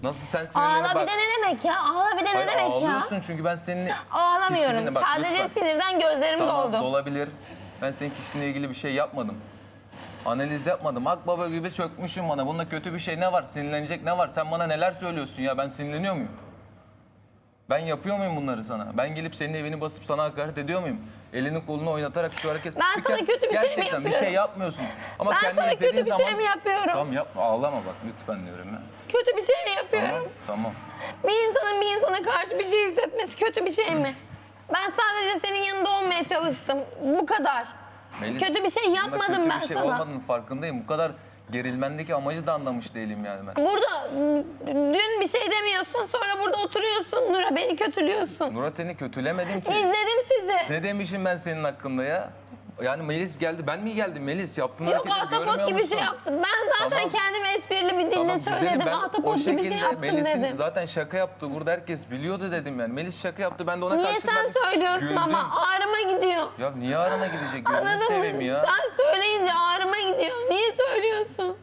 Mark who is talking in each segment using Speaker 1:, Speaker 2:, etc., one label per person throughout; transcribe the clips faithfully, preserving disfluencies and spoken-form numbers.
Speaker 1: Nasıl sen sinirlerine
Speaker 2: Ağla
Speaker 1: bak.
Speaker 2: bir de ne demek ya? Ağla bir de ne
Speaker 1: Hayır,
Speaker 2: demek ya?
Speaker 1: ağlıyorsun çünkü ben senin
Speaker 2: Ağlamıyorum.
Speaker 1: kişiliğine bak,
Speaker 2: Sadece
Speaker 1: lütfen.
Speaker 2: sinirden gözlerim
Speaker 1: Tamam,
Speaker 2: doldu.
Speaker 1: dolabilir. Ben senin kişiliğinle ilgili bir şey yapmadım. Analiz yapmadım. Akbaba gibi çökmüşüm bana. Bunda kötü bir şey ne var? Sinirlenecek ne var? Sen bana neler söylüyorsun ya? Ben sinirleniyor muyum? Ben yapıyor muyum bunları sana? Ben gelip senin evini basıp sana hakaret ediyor muyum? Elini kolunu oynatarak şu hareket...
Speaker 2: Ben sana
Speaker 1: kere-
Speaker 2: kötü bir şey mi
Speaker 1: Gerçekten bir şey
Speaker 2: yapıyorum?
Speaker 1: yapmıyorsun. Ama
Speaker 2: Ben
Speaker 1: kendini
Speaker 2: sana kötü
Speaker 1: izlediğin
Speaker 2: bir
Speaker 1: zaman...
Speaker 2: şey mi yapıyorum?
Speaker 1: Tamam yapma, ağlama bak lütfen diyorum ya.
Speaker 2: Kötü bir şey mi yapıyorum?
Speaker 1: Tamam, tamam.
Speaker 2: Bir insanın bir insana karşı bir şey hissetmesi kötü bir şey mi? Ben sadece senin yanında olmaya çalıştım. Bu kadar.
Speaker 1: Melis,
Speaker 2: Kötü bir şey
Speaker 1: bunda
Speaker 2: yapmadım
Speaker 1: kötü
Speaker 2: ben
Speaker 1: bir şey
Speaker 2: sana.
Speaker 1: olmadığının farkındayım. Bu kadar gerilmendeki amacı da anlamış değilim yani ben.
Speaker 2: Burada dün bir şey demiyorsun, sonra burada oturuyorsun Nura, beni kötülüyorsun.
Speaker 1: Nura seni kötülemedim ki.
Speaker 2: İzledim sizi.
Speaker 1: Ne demişim ben senin hakkında ya? Yani Melis geldi. Ben mi geldim Melis? Yaptığın
Speaker 2: Yok,
Speaker 1: hareketleri
Speaker 2: ahtapot
Speaker 1: görmüyor
Speaker 2: gibi
Speaker 1: musun?
Speaker 2: şey yaptım. Ben zaten
Speaker 1: Tamam.
Speaker 2: kendime esprili bir dille
Speaker 1: Tamam, güzelim.
Speaker 2: söyledim.
Speaker 1: Ben
Speaker 2: Ahtapot
Speaker 1: o
Speaker 2: gibi şey
Speaker 1: şekilde
Speaker 2: yaptım
Speaker 1: Melis'in
Speaker 2: dedim.
Speaker 1: zaten şaka yaptı. Burada herkes biliyordu dedim yani. Melis şaka yaptı. Ben de ona
Speaker 2: Niye
Speaker 1: karşı
Speaker 2: sen
Speaker 1: ben
Speaker 2: söylüyorsun
Speaker 1: güldüm.
Speaker 2: ama ağrıma gidiyor.
Speaker 1: Ya niye arana gidecek? Gözünü
Speaker 2: Anladın
Speaker 1: seveyim
Speaker 2: mı?
Speaker 1: ya.
Speaker 2: Sen söyleyince ağrıma gidiyor. Niye söylüyorsun?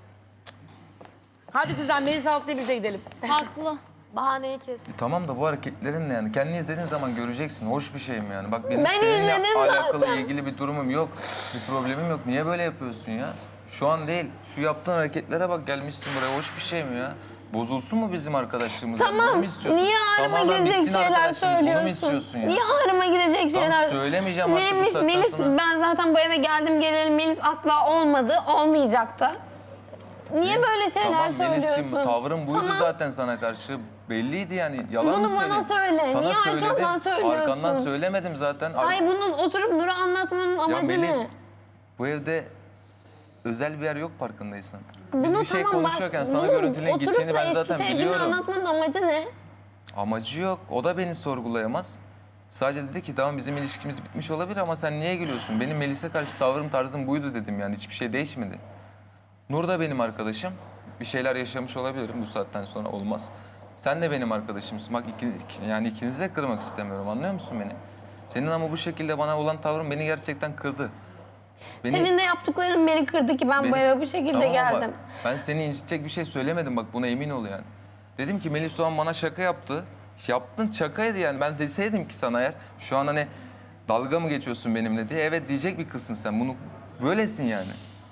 Speaker 3: Hadi kızlar Melis Altlı'ya biz de gidelim.
Speaker 4: Haklı. Bahaneyi kes.
Speaker 1: E tamam da bu hareketlerin ne yani? Kendini izlediğin zaman göreceksin. Hoş bir şey mi yani? Bak benim
Speaker 2: Ben
Speaker 1: seninle
Speaker 2: izledim
Speaker 1: alakalı
Speaker 2: zaten.
Speaker 1: ilgili bir durumum yok. Bir problemim yok. Niye böyle yapıyorsun ya? Şu an değil. Şu yaptığın hareketlere bak, gelmişsin buraya. Hoş bir şey mi ya? Bozulsun mu bizim arkadaşlığımız? Yani bunu
Speaker 2: Tamam.
Speaker 1: mu istiyorsun?
Speaker 2: Niye ağrıma
Speaker 1: Tamamen
Speaker 2: gidecek
Speaker 1: bitsin
Speaker 2: şeyler
Speaker 1: arkadaşlığımız. Bunu mu
Speaker 2: söylüyorsun?
Speaker 1: istiyorsun ya?
Speaker 2: Niye ağrıma gidecek
Speaker 1: Tamam,
Speaker 2: şeyler?
Speaker 1: söylemeyeceğim artık bu
Speaker 2: Neymiş
Speaker 1: saatten
Speaker 2: Melis?
Speaker 1: sonra.
Speaker 2: Ben zaten bu eve geldim gelelim Melis asla olmadı, olmayacaktı. Niye böyle şeyler
Speaker 1: Tamam
Speaker 2: söylüyorsun?
Speaker 1: Melis'ciğim, tavrın buydu
Speaker 2: Tamam.
Speaker 1: zaten sana karşı. Belliydi yani. Yalan
Speaker 2: Bunu
Speaker 1: mı
Speaker 2: bana
Speaker 1: söyleyeyim?
Speaker 2: söyle. Niye
Speaker 1: söyledim.
Speaker 2: arkamdan söylüyorsun?
Speaker 1: Arkandan söylemedim zaten. Ar-
Speaker 2: Ay bunu oturup Nur'a anlatmanın
Speaker 1: Ya
Speaker 2: amacı
Speaker 1: Melis,
Speaker 2: ne?
Speaker 1: bu evde özel bir yer yok farkındaysan. Biz
Speaker 2: Bunu
Speaker 1: bir şey
Speaker 2: tamam,
Speaker 1: konuşuyorken
Speaker 2: baş-
Speaker 1: sana
Speaker 2: bunu
Speaker 1: görüntülerin
Speaker 2: oturup
Speaker 1: gideceğini
Speaker 2: da
Speaker 1: ben
Speaker 2: eski
Speaker 1: zaten
Speaker 2: sevgilini
Speaker 1: biliyorum.
Speaker 2: anlatmanın amacı ne?
Speaker 1: Amacı yok. O da beni sorgulayamaz. Sadece dedi ki tamam bizim ilişkimiz bitmiş olabilir ama sen niye gülüyorsun? Benim Melis'e karşı tavrım tarzım buydu dedim yani. Hiçbir şey değişmedi. Nur da benim arkadaşım. Bir şeyler yaşamış olabilirim bu saatten sonra, olmaz. Sen de benim arkadaşımsın. Bak iki, iki- yani ikinizi de kırmak istemiyorum, anlıyor musun beni? Senin ama bu şekilde bana olan tavrın beni gerçekten kırdı. Beni-
Speaker 2: Senin de yaptıkların beni kırdı ki ben bu
Speaker 1: Beni-
Speaker 2: eve bu şekilde
Speaker 1: Tamam ama
Speaker 2: geldim.
Speaker 1: ben seni incitecek bir şey söylemedim, bak buna emin ol yani. Dedim ki Melis Doğan bana şaka yaptı. Yaptın, şakaydı yani. Ben deseydim ki sana eğer şu an hani dalga mı geçiyorsun benimle diye, evet diyecek bir kızsın sen. Bunu böylesin yani.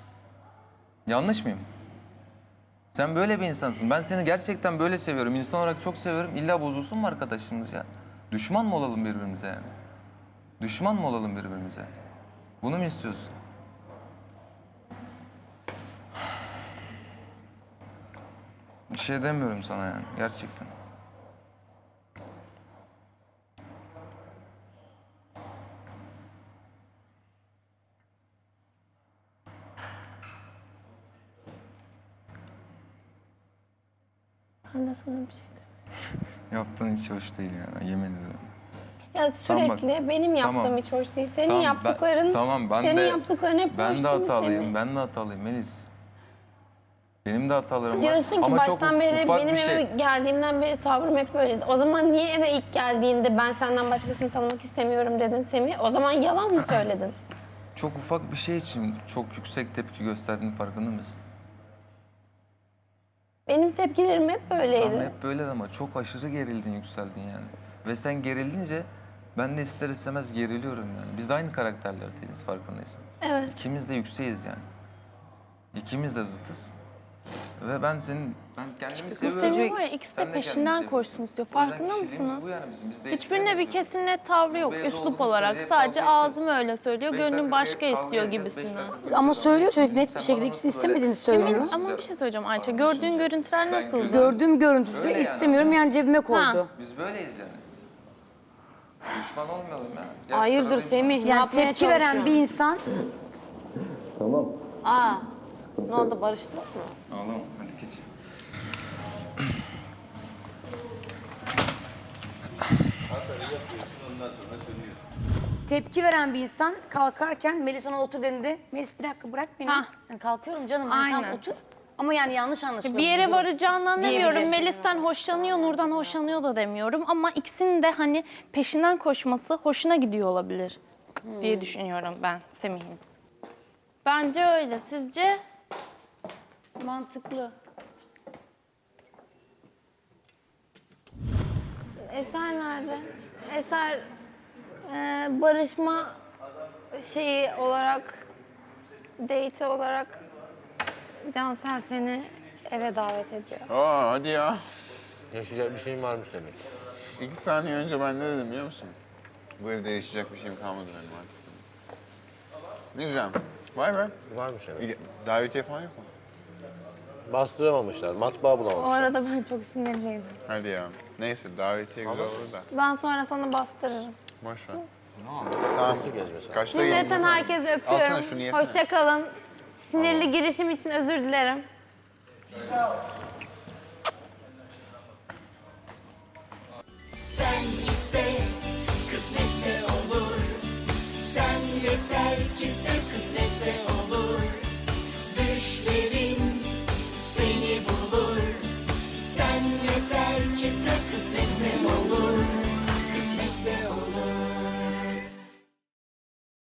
Speaker 1: Yanlış mıyım? Sen böyle bir insansın. Ben seni gerçekten böyle seviyorum. İnsan olarak çok seviyorum. İlla bozulsun mu arkadaşlığımız ya? Düşman mı olalım birbirimize yani? Düşman mı olalım birbirimize? Bunu mu istiyorsun? Bir şey demiyorum sana yani gerçekten.
Speaker 2: Ben de sana bir şey demiyorum.
Speaker 1: Yaptığın hiç hoş değil yani, yemin ederim.
Speaker 2: Ya
Speaker 1: Tamam bak.
Speaker 2: sürekli benim yaptığım
Speaker 1: Tamam.
Speaker 2: hiç hoş değil. Senin
Speaker 1: Tamam, ben-
Speaker 2: yaptıkların,
Speaker 1: tamam, ben
Speaker 2: senin
Speaker 1: de-
Speaker 2: yaptıkların hep
Speaker 1: Ben
Speaker 2: hoş
Speaker 1: de
Speaker 2: değil mi
Speaker 1: hatalıyım,
Speaker 2: Semih?
Speaker 1: ben de hatalıyım Melis. Benim de hatalarım var.
Speaker 2: Diyorsun ki
Speaker 1: Ama çok
Speaker 2: baştan
Speaker 1: uf-
Speaker 2: beri
Speaker 1: ufak
Speaker 2: benim
Speaker 1: bir
Speaker 2: eve
Speaker 1: şey.
Speaker 2: geldiğimden beri tavrım hep böyleydi. O zaman niye eve ilk geldiğinde ben senden başkasını tanımak istemiyorum dedin Semih? O zaman yalan mı söyledin?
Speaker 1: Çok ufak bir şey için çok yüksek tepki gösterdiğinin farkında mısın?
Speaker 2: Benim tepkilerim hep böyleydi.
Speaker 1: Tamam, hep böyle ama çok aşırı gerildin, yükseldin yani. Ve sen gerildince ben de ister istemez geriliyorum yani. Biz aynı karakterlerdeyiz farkındaysan.
Speaker 2: Evet.
Speaker 1: İkimiz de yükseğiz yani. İkimiz de zıtız. Ve ben senin, ben kendimi seviyorum.
Speaker 4: Semih var ya, ikisi
Speaker 1: Sen
Speaker 4: de
Speaker 1: de
Speaker 4: peşinden
Speaker 1: kendini
Speaker 4: koşsun istiyor.
Speaker 1: seviyorsun. O
Speaker 4: Farkında
Speaker 1: yüzden kişiliğimiz
Speaker 4: mısınız?
Speaker 1: bu yani bizim. Biz de
Speaker 4: Hiçbirine bir
Speaker 1: değiştiremiyoruz.
Speaker 4: kesin net tavrı yok.
Speaker 1: Biz bu evde
Speaker 4: Üslup
Speaker 1: olduğumuz
Speaker 4: olarak
Speaker 1: sürece
Speaker 4: sadece
Speaker 1: kavga edeceğiz.
Speaker 4: ağzım öyle söylüyor.
Speaker 1: Beş
Speaker 4: Gönlüm
Speaker 1: dakika
Speaker 4: başka
Speaker 1: kavga
Speaker 4: istiyor
Speaker 1: edeceğiz, beş
Speaker 4: gibisinden.
Speaker 1: dakika
Speaker 3: Ama
Speaker 1: konuşacağız.
Speaker 3: söylüyor çocuk net
Speaker 1: Sen
Speaker 3: bir şekilde
Speaker 1: bana
Speaker 3: ikisi
Speaker 1: nasıl böyle
Speaker 3: istemediğini söylüyor.
Speaker 1: davranıyorsun?
Speaker 4: Ama bir şey söyleyeceğim Ayça.
Speaker 1: Anlaşıldı.
Speaker 4: Gördüğün görüntüler
Speaker 1: Ben
Speaker 4: nasıldı?
Speaker 1: gördüm.
Speaker 3: Gördüğüm görüntüde
Speaker 1: Öyle yani.
Speaker 3: istemiyorum yani cebime koydu.
Speaker 1: Biz böyleyiz yani. Düşman olmayalım ya. Gel
Speaker 3: Hayırdır
Speaker 1: sıradayız.
Speaker 3: Semih, yani tepki veren bir insan...
Speaker 1: Tamam.
Speaker 3: Aa, ne oldu, barıştık mı?
Speaker 1: Ağlama, hadi geç.
Speaker 3: Tepki veren bir insan kalkarken Melis ona otur dediğinde Melis bir dakika bırak beni.
Speaker 4: Hah.
Speaker 3: Yani kalkıyorum canım, hani tam
Speaker 4: Aynen.
Speaker 3: otur. Ama yani yanlış anlaşılıyor.
Speaker 4: Bir yere
Speaker 3: bu durum.
Speaker 4: varacağından
Speaker 3: Diyebilir.
Speaker 4: demiyorum. Melis'ten hoşlanıyor, Nur'dan hoşlanıyor da demiyorum. Ama ikisinin de hani peşinden koşması hoşuna gidiyor olabilir diye düşünüyorum ben Semih'in. Bence öyle. Sizce?
Speaker 3: Mantıklı.
Speaker 2: Eser nerede? Eser e, barışma şeyi olarak, date olarak Cansel seni eve davet ediyor.
Speaker 5: Aa hadi ya.
Speaker 6: Yaşayacak bir şeyim varmış demek.
Speaker 5: İki saniye önce ben ne dedim biliyor musun? Bu evde yaşayacak bir şeyim kalmadı benim artık. Ne güzel. Vay be.
Speaker 6: Varmış demek.
Speaker 5: İyi, davetiye falan yok mu?
Speaker 6: Bastıramamışlar, matbaa
Speaker 2: O
Speaker 6: bulamamışlar.
Speaker 2: arada ben çok sinirliydim.
Speaker 5: Hadi ya. Neyse davetiye güzel olur da.
Speaker 2: Ben sonra sana bastırırım.
Speaker 5: Boş ver. Tamam.
Speaker 6: Hızlı gez mesela.
Speaker 5: Kaçta
Speaker 2: Cümleten
Speaker 5: gelin?
Speaker 2: herkese
Speaker 5: Alsana
Speaker 2: öpüyorum.
Speaker 5: şunu yesene.
Speaker 2: Hoşça kalın. Sinirli girişim için özür dilerim.
Speaker 7: Sen iste, kısmetse olur. Sen yeter ki sen